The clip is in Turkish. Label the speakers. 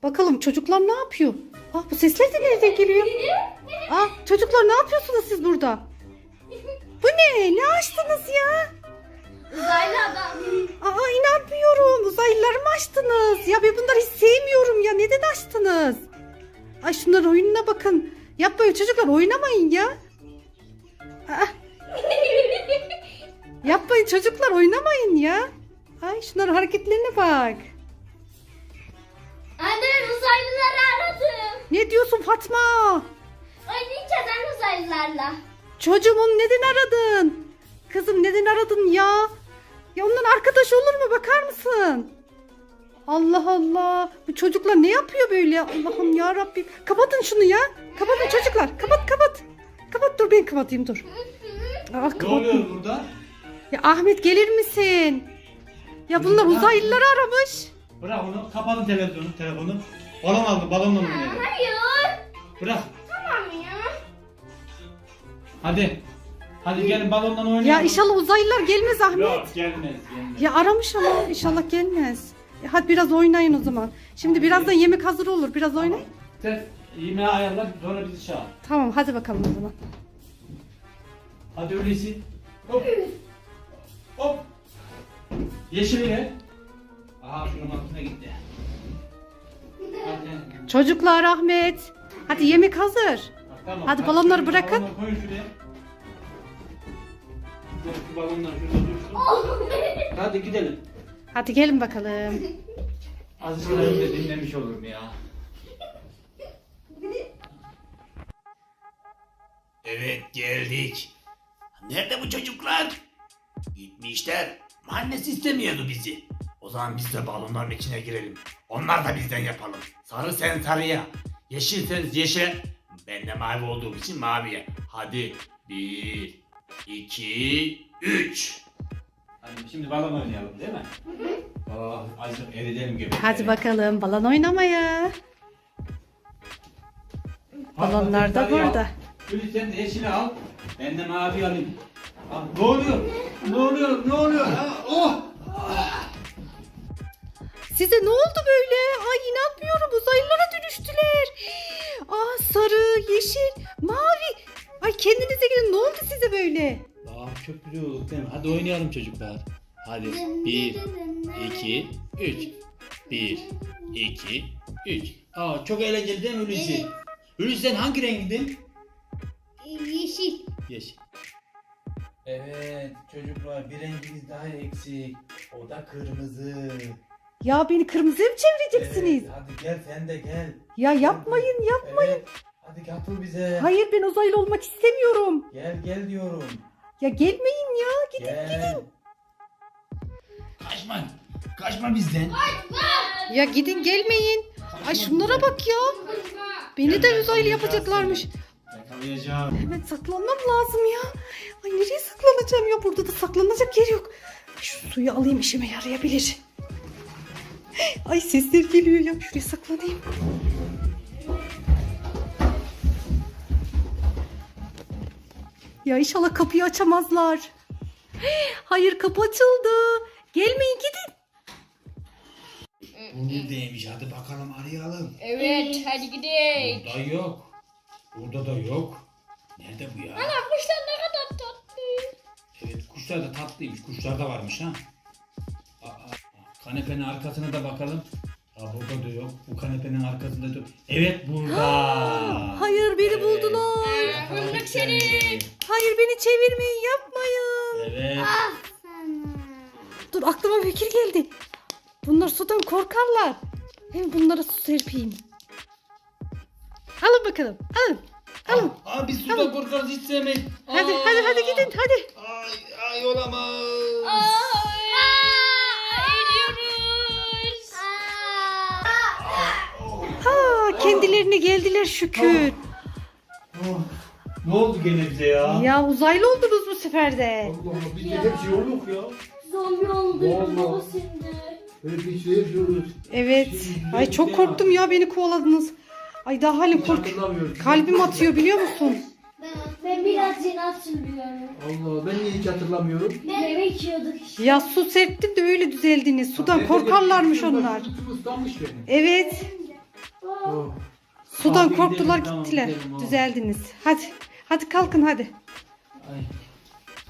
Speaker 1: Bakalım çocuklar ne yapıyor? Bu sesler de nereden geliyor? Çocuklar ne yapıyorsunuz siz burada? Bu ne? Ne açtınız ya?
Speaker 2: Uzaylı adam.
Speaker 1: İnanmıyorum. Uzaylıları mı açtınız? Ya ben bunları hiç sevmiyorum ya. Neden açtınız? Ay şunların oyununa bakın. Yapmayın çocuklar, oynamayın ya. Yapmayın çocuklar, oynamayın ya. Ay şunların hareketlerine bak.
Speaker 2: Anne, uzaylıları aradım.
Speaker 1: Ne diyorsun Fatma?
Speaker 2: Oynayacağız anne uzaylılarla.
Speaker 1: Çocuğum neden aradın? Kızım neden aradın ya? Ya ondan arkadaş olur mu, bakar mısın? Allah Allah. Bu çocuklar ne yapıyor böyle? Allah'ım ya Rabbim. Kapatın şunu ya. Kapatın çocuklar. Kapat. Kapat, dur ben kapatayım, dur.
Speaker 3: Ne oluyor burada?
Speaker 1: Ya Ahmet gelir misin? Ya bunlar uzaylıları aramış.
Speaker 3: Bırak onu. Kapatın telefonu. Balon aldı. Balonla oynayalım.
Speaker 2: Hayır.
Speaker 3: Bırak.
Speaker 2: Tamam ya.
Speaker 3: Hadi gelin balonla oynayalım.
Speaker 1: Ya inşallah uzaylılar gelmez Ahmet.
Speaker 3: Yok gelmez.
Speaker 1: Ya aramış ama inşallah gelmez. Hadi biraz oynayın o zaman. Şimdi birazdan yemek hazır olur. Biraz oynayın.
Speaker 3: Sen yemeği ayarla, sonra bizi çağır.
Speaker 1: Tamam hadi bakalım o zaman.
Speaker 3: Hadi öyleyse. Hop. Yeşili ver. Şunun altına gitti. Hadi.
Speaker 1: Çocuklar, Ahmet. Hadi yemek hazır.
Speaker 3: Tamam.
Speaker 1: Hadi balonları bırakın.
Speaker 3: Balonları koyun şuraya. Şu balonlar şurada dursun. Hadi gidelim.
Speaker 1: Hadi gelin bakalım.
Speaker 3: Azıcık önce dinlemiş olurum ya.
Speaker 4: Evet geldik. Nerede bu çocuklar? Gitmişler. Annesi istemiyordu bizi. O zaman biz de balonların içine girelim. Onlar da bizden yapalım. Sarı sen sarıya. Yeşil sen yeşile. Ben de mavi olduğum için maviye. Hadi 1, 2, 3.
Speaker 3: Hadi şimdi balon oynayalım değil mi? Azıcık eridelim gibi.
Speaker 1: Hadi bakalım balon oynamaya. Balonlar da burada.
Speaker 3: Gülü sen de yeşili al. Ben de mavi alayım. Ne oluyor? Ne oluyor?
Speaker 1: Size ne oldu böyle? Ay inanmıyorum, uzaylılara dönüştüler. Sarı, yeşil, mavi. Ay kendinize gelin, ne oldu size böyle?
Speaker 4: Çok güzel olduk değil mi? Hadi oynayalım çocuklar. Hadi 1, 2, 3. 1, 2, 3. Çok eğlenceli değil mi Hulusi?
Speaker 2: Evet.
Speaker 4: Hulusi sen hangi rengindin?
Speaker 2: Yeşil.
Speaker 4: Yeşil. Evet çocuklar bir rengimiz daha eksik. O da kırmızı.
Speaker 1: Ya beni kırmızıya mı çevireceksiniz?
Speaker 4: Hadi gel sen de gel.
Speaker 1: Ya yapmayın.
Speaker 4: Evet. Hadi katıl bize.
Speaker 1: Hayır, ben uzaylı olmak istemiyorum.
Speaker 4: Gel diyorum.
Speaker 1: Ya gelmeyin ya, gidin.
Speaker 4: Gel. Kaçma bizden.
Speaker 1: Ya gidin, gelmeyin. Ay şunlara bak ya. Beni de uzaylı yapacaklarmış.
Speaker 3: Yakalayacağım.
Speaker 1: Hemen saklanmam lazım ya. Ay nereye saklanacağım ya? Burada da saklanacak yer yok. Şu suyu alayım, işime yarayabilir. Ay sesler geliyor ya. Şuraya saklanayım. Ya inşallah kapıyı açamazlar. Hayır, kapı açıldı. Gelmeyin, gidin.
Speaker 4: Buradaymış hadi bakalım arayalım.
Speaker 2: Evet, hadi gidelim.
Speaker 4: Burada yok. Burada da yok. Nerede bu ya?
Speaker 2: Ana kuşlar ne kadar tatlı.
Speaker 4: Evet kuşlar da tatlıymış. Kuşlar da varmış ha. Kanepenin arkasına da bakalım. Burada da yok. Bu kanepenin arkasında da yok. Evet burada.
Speaker 1: Hayır, beni buldular.
Speaker 2: Fındık seni.
Speaker 1: Hayır, beni çevirmeyin, yapmayın.
Speaker 4: Evet.
Speaker 1: Dur, aklıma bir fikir geldi. Bunlar sudan korkarlar. Hem bunlara su serpeyim. Alın bakalım. Alın.
Speaker 4: Biz suda korkarız hiç sevmeyiz.
Speaker 1: Hadi gidin hadi.
Speaker 4: Ay olamaz.
Speaker 2: Eriyoruz.
Speaker 1: Kendilerine geldiler şükür.
Speaker 3: Ne oldu gene bize ya?
Speaker 1: Ya uzaylı oldunuz bu sefer de.
Speaker 5: Allah Allah bizde hep şey yok ya.
Speaker 2: Zombi oldu.
Speaker 5: Vallahi.
Speaker 2: Baba şimdi.
Speaker 5: Böyle bir şey yapıyoruz.
Speaker 1: Evet. Ay çok korktum ya, beni kovaladınız. Ay daha halim
Speaker 5: Hiç
Speaker 1: kork.
Speaker 5: hatırlamıyorum.
Speaker 1: Kalbim atıyor biliyor musun?
Speaker 2: Ben biraz yeni hatırlıyorum.
Speaker 5: Allah ben niye hiç hatırlamıyorum?
Speaker 2: Yemek yiyorduk işte.
Speaker 1: Ya su serptim de öyle düzeldiniz. Sudan
Speaker 5: Ben de
Speaker 1: korkarlarmış
Speaker 5: bir-
Speaker 1: onlar.
Speaker 5: Tutum ıslanmış benim.
Speaker 1: Evet. Sudan
Speaker 3: Abi
Speaker 1: korktular
Speaker 3: gidelim, tamam,
Speaker 1: gittiler.
Speaker 3: gidelim, oğlum.
Speaker 1: Düzeldiniz. Hadi. Hadi kalkın hadi.
Speaker 3: Ay.